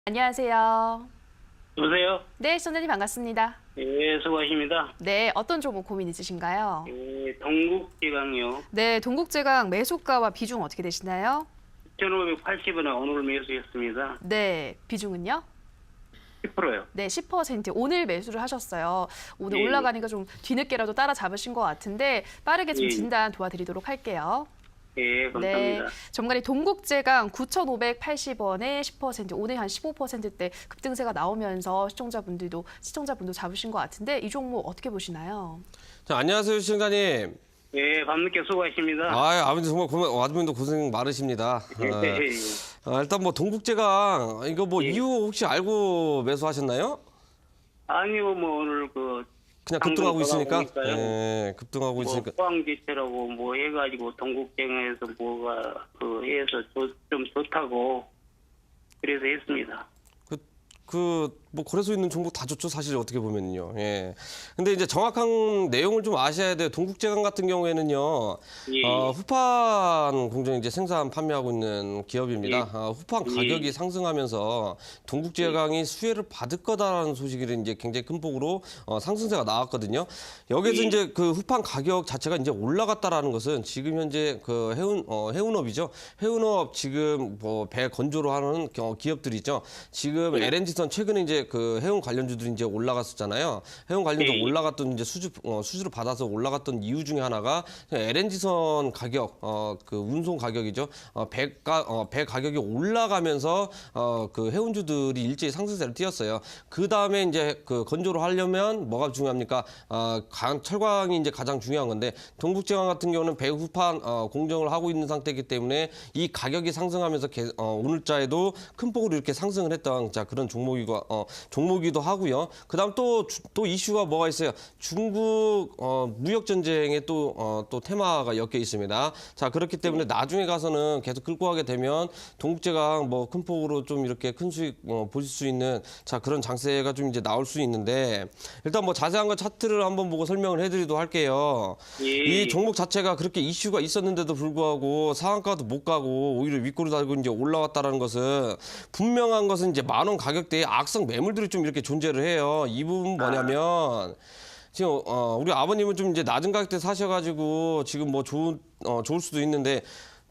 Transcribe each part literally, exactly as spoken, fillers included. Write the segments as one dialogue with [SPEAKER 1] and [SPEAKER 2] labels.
[SPEAKER 1] 안녕하세요.
[SPEAKER 2] 여보세요?
[SPEAKER 1] 네, 시청자님 반갑습니다.
[SPEAKER 2] 예, 수고하십니다.
[SPEAKER 1] 네, 어떤 종목 고민 있으신가요?
[SPEAKER 2] 예, 동국제강요.
[SPEAKER 1] 네, 동국제강 매수가와 비중 어떻게 되시나요?
[SPEAKER 2] 천오백팔십 원에 오늘 매수했습니다.
[SPEAKER 1] 네, 비중은요?
[SPEAKER 2] 십 퍼센트요.
[SPEAKER 1] 네, 십 퍼센트. 오늘 매수를 하셨어요. 오늘
[SPEAKER 2] 예.
[SPEAKER 1] 올라가니까 좀 뒤늦게라도 따라잡으신 것 같은데 빠르게 좀
[SPEAKER 2] 예.
[SPEAKER 1] 진단 도와드리도록 할게요.
[SPEAKER 2] 예, 감사합니다.
[SPEAKER 1] 네, 전문가님 동국제강 구천오백팔십 원에 십 퍼센트, 오늘 한 십오 퍼센트대 급등세가 나오면서 시청자분들도 시청자분도 잡으신 것 같은데 이 종목 어떻게 보시나요?
[SPEAKER 3] 자, 안녕하세요, 시청자님.
[SPEAKER 2] 예, 밤늦게 수고하십니다.
[SPEAKER 3] 아, 아버님 정말 고생, 아버님도 고생 많으십니다.
[SPEAKER 2] 예,
[SPEAKER 3] 어,
[SPEAKER 2] 예, 예.
[SPEAKER 3] 아, 일단 뭐 동국제강 이거 뭐
[SPEAKER 2] 예.
[SPEAKER 3] 이유 혹시 알고 매수하셨나요?
[SPEAKER 2] 아니요, 뭐 오늘 그
[SPEAKER 3] 그냥 급등하고
[SPEAKER 2] 당근
[SPEAKER 3] 있으니까.
[SPEAKER 2] 돌아보니까요.
[SPEAKER 3] 예, 급등하고
[SPEAKER 2] 뭐
[SPEAKER 3] 있으니까.
[SPEAKER 2] 포항지체라고 뭐 해가지고 동국제강에서 뭐가 그 해서 좋- 좀 좋다고 그래서 했습니다.
[SPEAKER 3] 그 뭐 거래소 있는 종목 다 좋죠, 사실 어떻게 보면요. 예. 근데 이제 정확한 내용을 좀 아셔야 돼요. 동국제강 같은 경우에는요.
[SPEAKER 2] 예.
[SPEAKER 3] 어, 후판 공정 이제 생산 판매하고 있는 기업입니다.
[SPEAKER 2] 예.
[SPEAKER 3] 어, 후판
[SPEAKER 2] 예.
[SPEAKER 3] 가격이 상승하면서 동국제강이 수혜를 받을 거다라는 소식이 이제 굉장히 큰 폭으로 어, 상승세가 나왔거든요. 여기서
[SPEAKER 2] 예.
[SPEAKER 3] 이제 그 후판 가격 자체가 이제 올라갔다라는 것은 지금 현재 그 해운 어, 해운업이죠. 해운업 지금 뭐 배 건조로 하는 어, 기업들이죠. 지금
[SPEAKER 2] 예.
[SPEAKER 3] 엘엔지선 최근에 이제 그 해운 관련주들이 이제 올라갔었잖아요. 해운 관련주
[SPEAKER 2] 예.
[SPEAKER 3] 올라갔던 이제 수주 어, 수주를 받아서 올라갔던 이유 중에 하나가 엘엔지선 가격, 어, 그 운송 가격이죠. 어, 배가 어, 배 가격이 올라가면서 어, 그 해운주들이 일제히 상승세를 띄었어요. 그 다음에 이제 그 건조를 하려면 뭐가 중요합니까? 어, 강, 철강이 이제 가장 중요한 건데 동국제강 같은 경우는 배 후판 어, 공정을 하고 있는 상태이기 때문에 이 가격이 상승하면서 개, 어, 오늘자에도 큰 폭으로 이렇게 상승을 했던 자 그런 종목이고 어, 종목이기도 하고요. 그다음 또 또 이슈가 뭐가 있어요? 중국 어, 무역 전쟁에 또 어, 또 테마가 엮여 있습니다. 자 그렇기 때문에 나중에 가서는 계속 끌고 가게 되면 동국제강 뭐 큰 폭으로 좀 이렇게 큰 수익 어, 보실 수 있는 자 그런 장세가 좀 이제 나올 수 있는데 일단 뭐 자세한 건 차트를 한번 보고 설명을 해드리도록 할게요.
[SPEAKER 2] 예.
[SPEAKER 3] 이 종목 자체가 그렇게 이슈가 있었는데도 불구하고 상한가도 못 가고 오히려 윗골을 달고 이제 올라왔다라는 것은 분명한 것은 이제 만 원 가격대에 악성 매물들이 좀 이렇게 존재를 해요. 이 부분 뭐냐면 지금 어 우리 아버님은 좀 이제 낮은 가격대 사셔가지고 지금 뭐 좋은 어 좋을 수도 있는데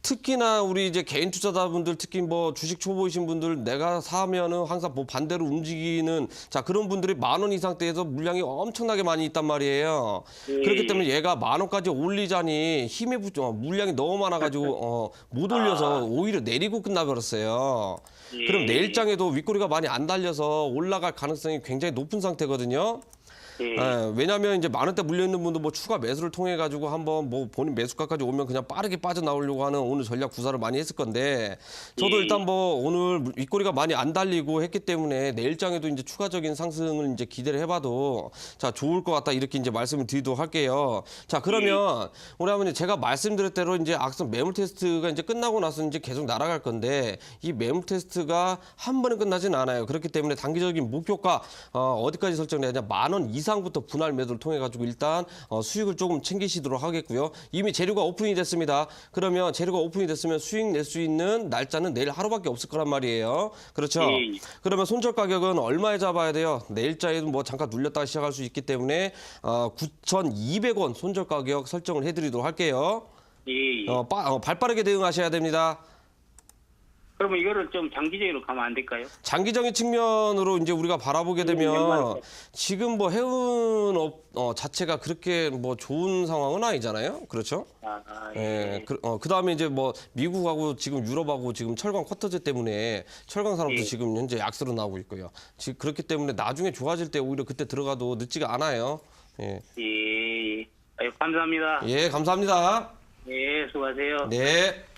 [SPEAKER 3] 특히나 우리 이제 개인 투자자분들 특히 뭐 주식 초보이신 분들 내가 사면은 항상 뭐 반대로 움직이는 자 그런 분들이 만 원 이상대에서 물량이 엄청나게 많이 있단 말이에요.
[SPEAKER 2] 예.
[SPEAKER 3] 그렇기 때문에 얘가 만 원까지 올리자니 힘에 붙 어, 물량이 너무 많아가지고 어, 못 올려서 오히려 내리고 끝나버렸어요.
[SPEAKER 2] 예.
[SPEAKER 3] 그럼 내일장에도 윗꼬리가 많이 안 달려서 올라갈 가능성이 굉장히 높은 상태거든요.
[SPEAKER 2] 예.
[SPEAKER 3] 예, 왜냐하면 이제 만 원대 물려 있는 분도 뭐 추가 매수를 통해 가지고 한번 뭐 본인 매수가까지 오면 그냥 빠르게 빠져나오려고 하는 오늘 전략 구사를 많이 했을 건데 저도
[SPEAKER 2] 예.
[SPEAKER 3] 일단 뭐 오늘 윗꼬리가 많이 안 달리고 했기 때문에 내일장에도 이제 추가적인 상승을 이제 기대를 해봐도 자 좋을 것 같다 이렇게 이제 말씀을 드리도록 할게요. 자 그러면 우리 아버님 제가 말씀드린 대로 이제 악성 매물 테스트가 이제 끝나고 나서 이제 계속 날아갈 건데 이 매물 테스트가 한 번에 끝나진 않아요. 그렇기 때문에 단기적인 목표가 어, 어디까지 설정되냐 만 원 이상 부터 분할 매도를 통해 가지고 일단 어, 수익을 조금 챙기시도록 하겠고요. 이미 재료가 오픈이 됐습니다. 그러면 재료가 오픈이 됐으면 수익 낼 수 있는 날짜는 내일 하루밖에 없을 거란 말이에요. 그렇죠?
[SPEAKER 2] 예.
[SPEAKER 3] 그러면 손절 가격은 얼마에 잡아야 돼요? 내일자에도 뭐 잠깐 눌렸다가 시작할 수 있기 때문에 어, 구천이백 원 손절 가격 설정을 해드리도록 할게요.
[SPEAKER 2] 예.
[SPEAKER 3] 어, 빠, 어, 발빠르게 대응하셔야 됩니다.
[SPEAKER 2] 그러면 이거를 좀 장기적으로 가면 안 될까요?
[SPEAKER 3] 장기적인 측면으로 이제 우리가 바라보게 되면
[SPEAKER 2] 연말에.
[SPEAKER 3] 지금 뭐 해운업 어, 자체가 그렇게 뭐 좋은 상황은 아니잖아요. 그렇죠?
[SPEAKER 2] 아, 예.
[SPEAKER 3] 예. 그, 어, 그다음에 이제 뭐 미국하고 지금 유럽하고 지금 철강 쿼터제 때문에 철강 산업도
[SPEAKER 2] 예.
[SPEAKER 3] 지금 현재 약세로 나오고 있고요. 지금 그렇기 때문에 나중에 좋아질 때 오히려 그때 들어가도 늦지가 않아요. 예.
[SPEAKER 2] 예. 예. 아유, 감사합니다.
[SPEAKER 3] 예, 감사합니다.
[SPEAKER 2] 예, 수고하세요.
[SPEAKER 3] 네.